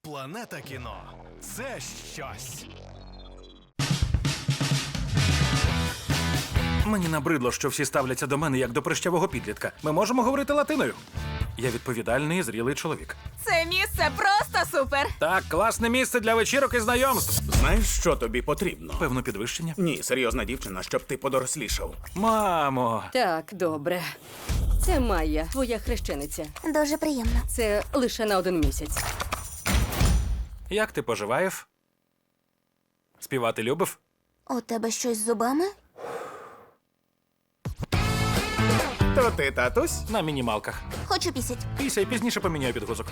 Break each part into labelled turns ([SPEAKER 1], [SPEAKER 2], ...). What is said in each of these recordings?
[SPEAKER 1] Планета кіно – це щось.
[SPEAKER 2] Мені набридло, що всі ставляться до мене як до прищавого підлітка. Ми можемо говорити латиною. Я відповідальний і зрілий чоловік.
[SPEAKER 3] Це місце просто супер!
[SPEAKER 2] Так, класне місце для вечірок і знайомств.
[SPEAKER 4] Знаєш, що тобі потрібно?
[SPEAKER 2] Певно, підвищення.
[SPEAKER 4] Ні, серйозна дівчина, щоб ти подорослішав.
[SPEAKER 2] Мамо,
[SPEAKER 5] Так, добре. Це Майя, твоя хрещениця.
[SPEAKER 6] Дуже приємно.
[SPEAKER 5] Це лише на 1 місяць.
[SPEAKER 2] як ти поживаєш? Співати любив?
[SPEAKER 6] У тебе щось з зубами?
[SPEAKER 4] То ти, татусь?
[SPEAKER 2] На мінімалках.
[SPEAKER 6] Хочу пісять.
[SPEAKER 2] Після пізніше поміняю підгузок.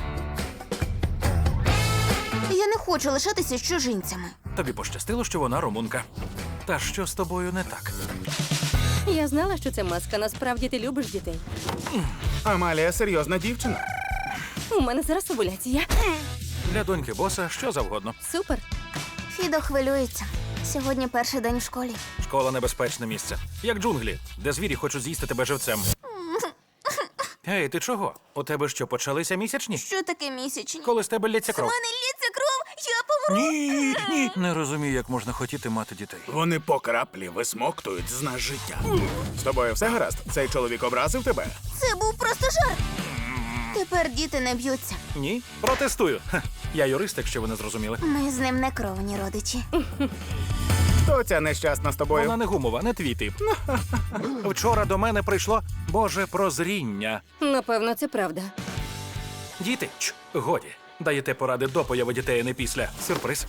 [SPEAKER 6] Я не хочу лишатися з чужинцями.
[SPEAKER 2] Тобі пощастило, що вона румунка. Та що з тобою не так?
[SPEAKER 5] Я знала, що це маска. Насправді ти любиш дітей.
[SPEAKER 4] Амалія серйозна дівчина.
[SPEAKER 5] У мене зараз овуляція.
[SPEAKER 2] Для доньки боса що завгодно.
[SPEAKER 5] Супер.
[SPEAKER 6] Фідо хвилюється. Сьогодні перший день в школі.
[SPEAKER 2] Школа – небезпечне місце. Як джунглі, де звірі хочуть з'їсти тебе живцем. Ей, ти чого? У тебе що, почалися місячні?
[SPEAKER 6] Що таке місячні?
[SPEAKER 2] Коли з тебе лється кров?
[SPEAKER 6] мене лється кров, я помру.
[SPEAKER 2] Ні. Не розумію, як можна хотіти мати дітей.
[SPEAKER 4] Вони по краплі висмоктують з нас життя. З тобою все гаразд? Цей чоловік образив тебе?
[SPEAKER 6] Це був просто жарт. Тепер діти не б'ються.
[SPEAKER 2] Ні? Протестую. Ха, я юрист, якщо ви не зрозуміли.
[SPEAKER 6] Ми з ним не кровні родичі.
[SPEAKER 4] Хто ця нещасна з тобою?
[SPEAKER 2] Вона не гумова, не твій тип. Вчора до мене прийшло Боже прозріння.
[SPEAKER 5] Напевно, це правда.
[SPEAKER 2] Діти, годі. Даєте поради до появи дітей, а не після. Сюрприз.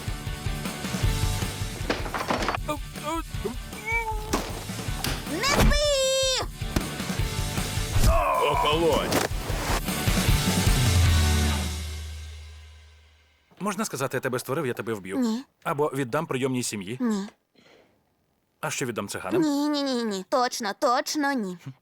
[SPEAKER 6] Не спи!
[SPEAKER 4] Охолонь!
[SPEAKER 2] Можна сказати, я тебе створив, я тебе вб'ю.
[SPEAKER 6] Ні.
[SPEAKER 2] Або віддам прийомній сім'ї.
[SPEAKER 6] Ні.
[SPEAKER 2] А що віддам циганам?
[SPEAKER 6] Ні. Точно ні.